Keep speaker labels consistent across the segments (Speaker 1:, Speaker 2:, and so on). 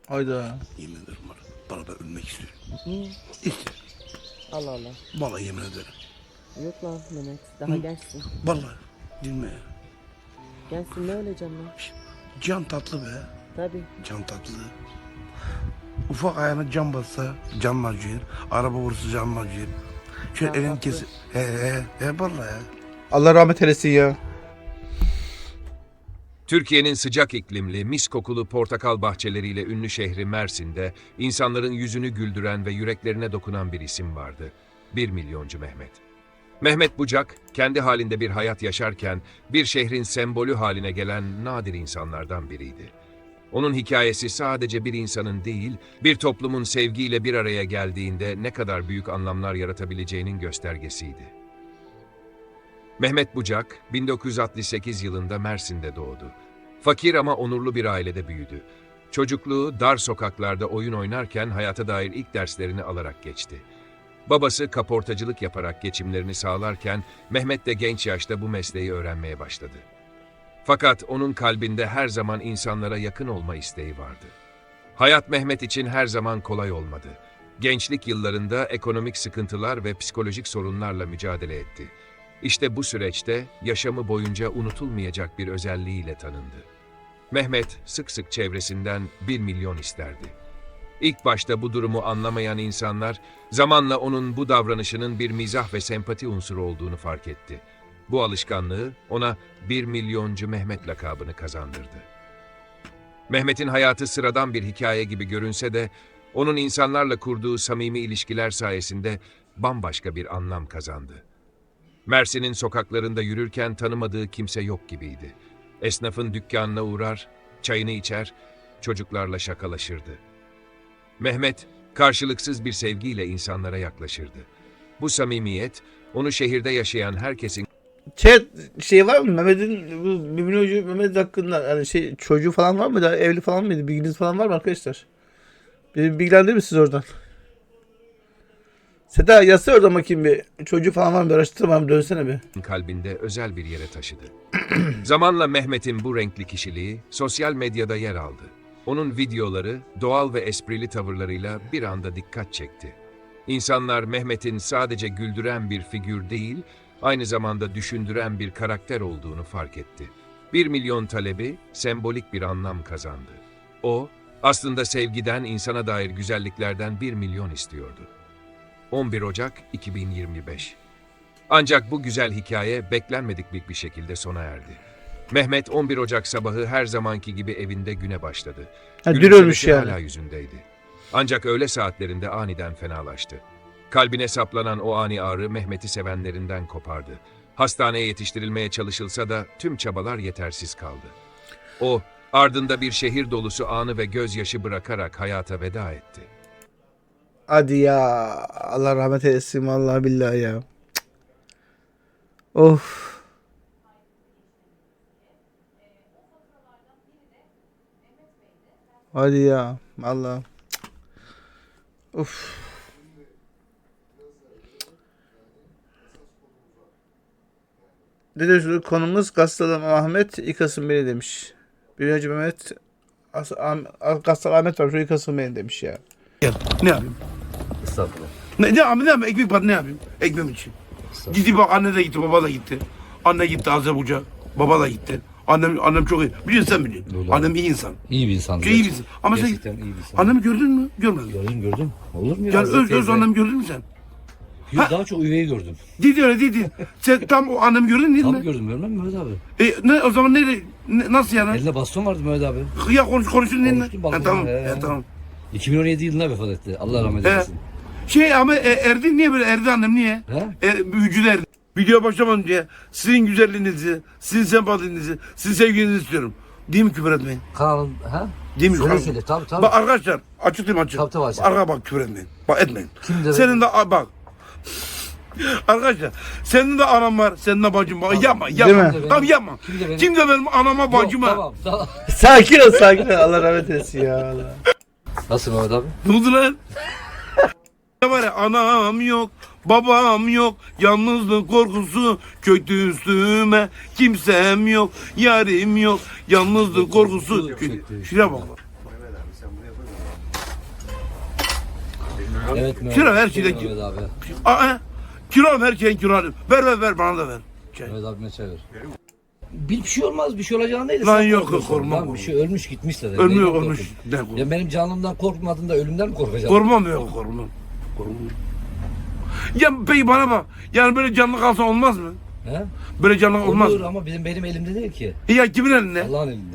Speaker 1: Hayda.
Speaker 2: Yemin ederim var. Beraber ölmek istiyorum.
Speaker 3: Niye?
Speaker 2: İstiyorum.
Speaker 3: Allah Allah.
Speaker 2: Vallahi yemin ederim.
Speaker 3: Yok lan Mehmet. Daha gençsin.
Speaker 2: Vallahi. Dinle ya.
Speaker 3: Gençsin, ne öleceksin lan?
Speaker 2: Can tatlı be.
Speaker 3: Tabii.
Speaker 2: Can tatlı. Ufak ayağına cam bassa can acıyor. Araba vursa can acıyor. Şöyle
Speaker 3: Can
Speaker 2: elini
Speaker 3: tatlı.
Speaker 2: kes. Vallahi ya.
Speaker 1: Allah rahmet eylesin ya.
Speaker 4: Türkiye'nin sıcak iklimli, mis kokulu portakal bahçeleriyle ünlü şehri Mersin'de insanların yüzünü güldüren ve yüreklerine dokunan bir isim vardı. 1 milyoncu Mehmet. Mehmet Bucak, kendi halinde bir hayat yaşarken bir şehrin sembolü haline gelen nadir insanlardan biriydi. Onun hikayesi sadece bir insanın değil, bir toplumun sevgiyle bir araya geldiğinde ne kadar büyük anlamlar yaratabileceğinin göstergesiydi. Mehmet Bucak, 1968 yılında Mersin'de doğdu. Fakir ama onurlu bir ailede büyüdü. Çocukluğu dar sokaklarda oyun oynarken hayata dair ilk derslerini alarak geçti. Babası kaportacılık yaparak geçimlerini sağlarken Mehmet de genç yaşta bu mesleği öğrenmeye başladı. Fakat onun kalbinde her zaman insanlara yakın olma isteği vardı. Hayat Mehmet için her zaman kolay olmadı. Gençlik yıllarında ekonomik sıkıntılar ve psikolojik sorunlarla mücadele etti. İşte bu süreçte yaşamı boyunca unutulmayacak bir özelliğiyle tanındı. Mehmet sık sık çevresinden 1 milyon isterdi. İlk başta bu durumu anlamayan insanlar zamanla onun bu davranışının bir mizah ve sempati unsuru olduğunu fark etti. Bu alışkanlığı ona 1 milyoncu Mehmet lakabını kazandırdı. Mehmet'in hayatı sıradan bir hikaye gibi görünse de onun insanlarla kurduğu samimi ilişkiler sayesinde bambaşka bir anlam kazandı. Mersin'in sokaklarında yürürken tanımadığı kimse yok gibiydi. Esnafın dükkanına uğrar, çayını içer, çocuklarla şakalaşırdı. Mehmet, karşılıksız bir sevgiyle insanlara yaklaşırdı. Bu samimiyet, onu şehirde yaşayan herkesin
Speaker 1: Şey var mı Mehmet'in bu 1 milyoncu Mehmet hakkında yani çocuğu falan var mı da evli falan mıydı, bilginiz falan var mı arkadaşlar? Beni bilgilendirir misiniz oradan? Seda yazsana oradan bakayım bir, çocuğu falan var mı, araştırma, dönsene bir.
Speaker 4: kalbinde özel bir yere taşıdı. Zamanla Mehmet'in bu renkli kişiliği sosyal medyada yer aldı. Onun videoları doğal ve esprili tavırlarıyla bir anda dikkat çekti. İnsanlar Mehmet'in sadece güldüren bir figür değil, aynı zamanda düşündüren bir karakter olduğunu fark etti. 1 milyon talebi sembolik bir anlam kazandı. O, aslında sevgiden, insana dair güzelliklerden 1 milyon istiyordu. 11 Ocak 2025. Ancak bu güzel hikaye beklenmedik bir şekilde sona erdi. Mehmet 11 Ocak sabahı her zamanki gibi evinde güne başladı.
Speaker 1: Ha, dün
Speaker 4: Gülümsemesi
Speaker 1: ölmüş yani.
Speaker 4: hala yüzündeydi. Ancak öğle saatlerinde aniden fenalaştı. Kalbine saplanan o ani ağrı Mehmet'i sevenlerinden kopardı. Hastaneye yetiştirilmeye çalışılsa da tüm çabalar yetersiz kaldı. O, ardında bir şehir dolusu anı ve gözyaşı bırakarak hayata veda etti.
Speaker 1: Hadi ya, Allah rahmet eylesin vallahi billahi ya. Cık. Of. Hadi ya vallahi. Cık. Of. Dede konumuz Gastalı Ahmet yıkasın beni demiş. Bir önce Mehmet Gastalı Ahmet var, şu yıkasın beni demiş ya.
Speaker 2: Gel. Ne yapayım?
Speaker 5: Estağfurullah.
Speaker 2: Ne yapayım? Ekmek var, ne yapayım? Ekmem için. Gitti bak, anne de gitti, baba da gitti. Anne gitti Azerbaycan, baba da gitti. Annem çok iyi. Biliyorsun, sen biliyorsun.
Speaker 5: Doğru.
Speaker 2: Annem iyi insan.
Speaker 5: İyi bir insan.
Speaker 2: İyi bir insan. Ama sen
Speaker 5: Gerçekten iyi bir insan.
Speaker 2: annemi gördün mü? Görmedin.
Speaker 5: Gördüm. Olur mu ya?
Speaker 2: Yani
Speaker 5: Hazreti
Speaker 2: öz
Speaker 5: teyze?
Speaker 2: annemi gördün mü sen?
Speaker 5: Yok, daha çok üveyi gördüm.
Speaker 2: Dedi öyle dedi. Sen tam o annemi gördün değil
Speaker 5: Tam
Speaker 2: mi?
Speaker 5: gördüm, görmem mi Mehmet abi?
Speaker 2: Ne o zaman nasıl yani?
Speaker 5: Elinde baston vardı Mehmet abi.
Speaker 2: Ya konuşun değil mi?
Speaker 5: Konuştum, balkonda,
Speaker 2: Tamam.
Speaker 5: he.
Speaker 2: Tamam.
Speaker 5: 2017 yılında vefat etti. Allah rahmet eylesin.
Speaker 2: Ama Erdi niye böyle? Erdi annem niye?
Speaker 5: He?
Speaker 2: Büyücüler Erdi. Video başlamadan diye sizin güzelliğinizi, sizin sempatinizi, sizin sevginizi istiyorum. Değil mi, küfür etmeyin?
Speaker 5: Kanalın, ha?
Speaker 2: Değil mi?
Speaker 5: Söyle. Tabii.
Speaker 2: Bak arkadaşlar, açıklayayım açık.
Speaker 5: Tabii, açık.
Speaker 2: Arka bak, küfür etmeyin. Bak, etmeyin.
Speaker 5: Kim de
Speaker 2: Senin de bak. Arkadaşlar, senin de anam var, senin de bacın var. Yapma.
Speaker 1: Değil mi?
Speaker 2: Tamam, yapma.
Speaker 5: Kim de benim?
Speaker 2: Benim anama, bacıma?
Speaker 5: Yok, tamam.
Speaker 1: Sakin ol. Allah rahmet eylesin ya. Allah.
Speaker 5: Nasıl Mehmet abi?
Speaker 2: Ne oldu lan? Ne var ya, anam yok, babam yok, yalnızlık korkusu köktü üstüme, kimsem yok, yarim yok, yalnızlık korkusu. Şuraya bak.
Speaker 5: Evet Mehmet.
Speaker 2: Kilo her şeyden
Speaker 5: Mehmet abi.
Speaker 2: Kilo her şeyin kilo. Ver bana da ver.
Speaker 5: Mehmet abime çay ver. Bir şey olmaz, bir şey olacağını değil.
Speaker 2: Lan
Speaker 5: Sen
Speaker 2: yok,
Speaker 5: korkuyorsun.
Speaker 2: korkmam.
Speaker 5: Lan bir şey ölmüş gitmişse de.
Speaker 2: Ölmüyor
Speaker 5: Neyden
Speaker 2: ölmüş.
Speaker 5: korkun?
Speaker 2: Ne korkun?
Speaker 5: Ya benim canımdan korkmadın da ölümden mi korkacaksın?
Speaker 2: Korkmam yok korkmam. Ya peki bana bak. Yani böyle canlı kalsa olmaz mı?
Speaker 5: He?
Speaker 2: Böyle canlı olmaz
Speaker 5: Olur
Speaker 2: mı?
Speaker 5: ama benim elimde değil ki.
Speaker 2: Ya kimin elinde?
Speaker 5: Allah'ın elinde.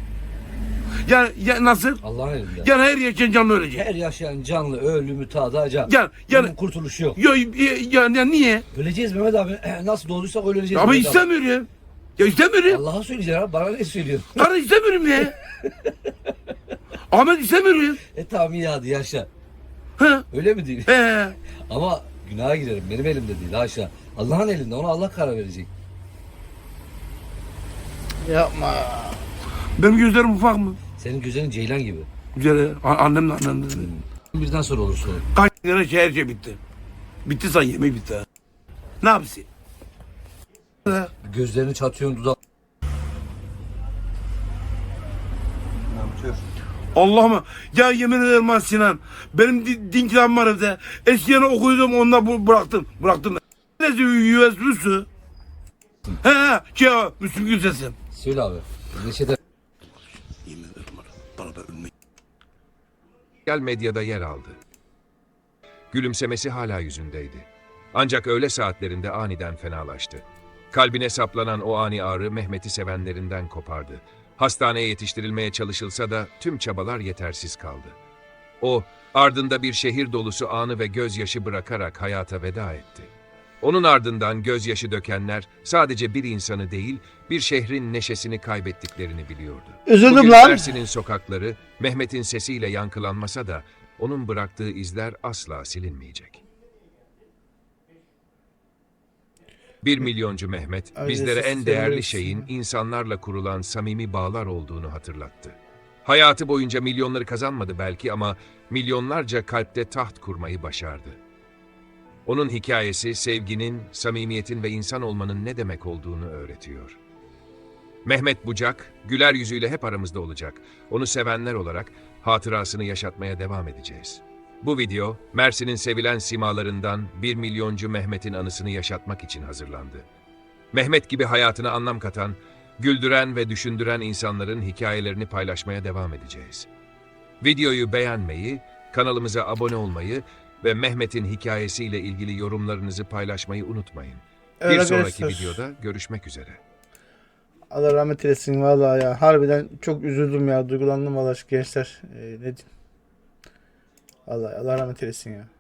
Speaker 2: Ya nasıl?
Speaker 5: Allah'ın elinde.
Speaker 2: Yani her yaşayan canlı ölecek.
Speaker 5: Her yaşayan canlı ölümü tadacak.
Speaker 2: Yani
Speaker 5: Bunun kurtuluşu yok.
Speaker 2: ya niye?
Speaker 5: Öleceğiz Mehmet abi. Nasıl doğduysak öyle öleceğiz.
Speaker 2: Ama
Speaker 5: Mehmet abi.
Speaker 2: istemiyorum. Ya istemiyorum.
Speaker 5: Allah'a söyleyeceksin abi. Bana ne söylüyorsun?
Speaker 2: Karı istemiyorum ya. Ahmet istemiyorum.
Speaker 5: Tamam iyi hadi yaşa.
Speaker 2: Ha?
Speaker 5: Öyle mi değil? Ama günaha girerim. Benim elimde değil haşa. Allah'ın elinde. Ona Allah karar verecek.
Speaker 1: Yapma.
Speaker 2: Benim gözlerim ufak mı?
Speaker 5: Senin gözlerin ceylan gibi.
Speaker 2: Güzel. Annem de.
Speaker 5: Birden sonra olur sonra.
Speaker 2: Kaç lira her şey bitti. Bitti say yemek bitti. Ha. Ne yapsın?
Speaker 5: Gözlerini çatıyorsun dudak.
Speaker 2: Allah'ım ya yemin ederim ha Sinan. Benim din kitabım var evde. Eskiden okuyordum onunla bıraktım. Neyse USB'si. He Müslüm Gürses'im.
Speaker 5: Söyle abi. Neşede
Speaker 2: Yemin ederim bana da ölmek.
Speaker 4: Sosyal medyada yer aldı. Gülümsemesi hala yüzündeydi. Ancak öğle saatlerinde aniden fenalaştı. Kalbine saplanan o ani ağrı Mehmet'i sevenlerinden kopardı. Hastaneye yetiştirilmeye çalışılsa da tüm çabalar yetersiz kaldı. O, ardında bir şehir dolusu anı ve gözyaşı bırakarak hayata veda etti. Onun ardından gözyaşı dökenler sadece bir insanı değil, bir şehrin neşesini kaybettiklerini biliyordu.
Speaker 1: Üzüldüm
Speaker 4: Bugün
Speaker 1: lan.
Speaker 4: Mersin'in sokakları Mehmet'in sesiyle yankılanmasa da onun bıraktığı izler asla silinmeyecek. 1 milyoncu Mehmet,
Speaker 1: Öyle
Speaker 4: bizlere en
Speaker 1: sesi
Speaker 4: değerli
Speaker 1: seviyorsun.
Speaker 4: şeyin insanlarla kurulan samimi bağlar olduğunu hatırlattı. Hayatı boyunca milyonları kazanmadı belki ama milyonlarca kalpte taht kurmayı başardı. Onun hikayesi sevginin, samimiyetin ve insan olmanın ne demek olduğunu öğretiyor. Mehmet Bucak, güler yüzüyle hep aramızda olacak. Onu sevenler olarak hatırasını yaşatmaya devam edeceğiz. Bu video, Mersin'in sevilen simalarından 1 milyoncu Mehmet'in anısını yaşatmak için hazırlandı. Mehmet gibi hayatına anlam katan, güldüren ve düşündüren insanların hikayelerini paylaşmaya devam edeceğiz. Videoyu beğenmeyi, kanalımıza abone olmayı ve Mehmet'in hikayesiyle ilgili yorumlarınızı paylaşmayı unutmayın.
Speaker 1: Evet
Speaker 4: Bir sonraki
Speaker 1: arkadaşlar.
Speaker 4: videoda görüşmek üzere.
Speaker 1: Allah rahmet eylesin vallahi ya. Harbiden çok üzüldüm ya. Duygulandım vallahi şu gençler. Ne diyeyim. Vallahi Allah rahmet eylesin ya.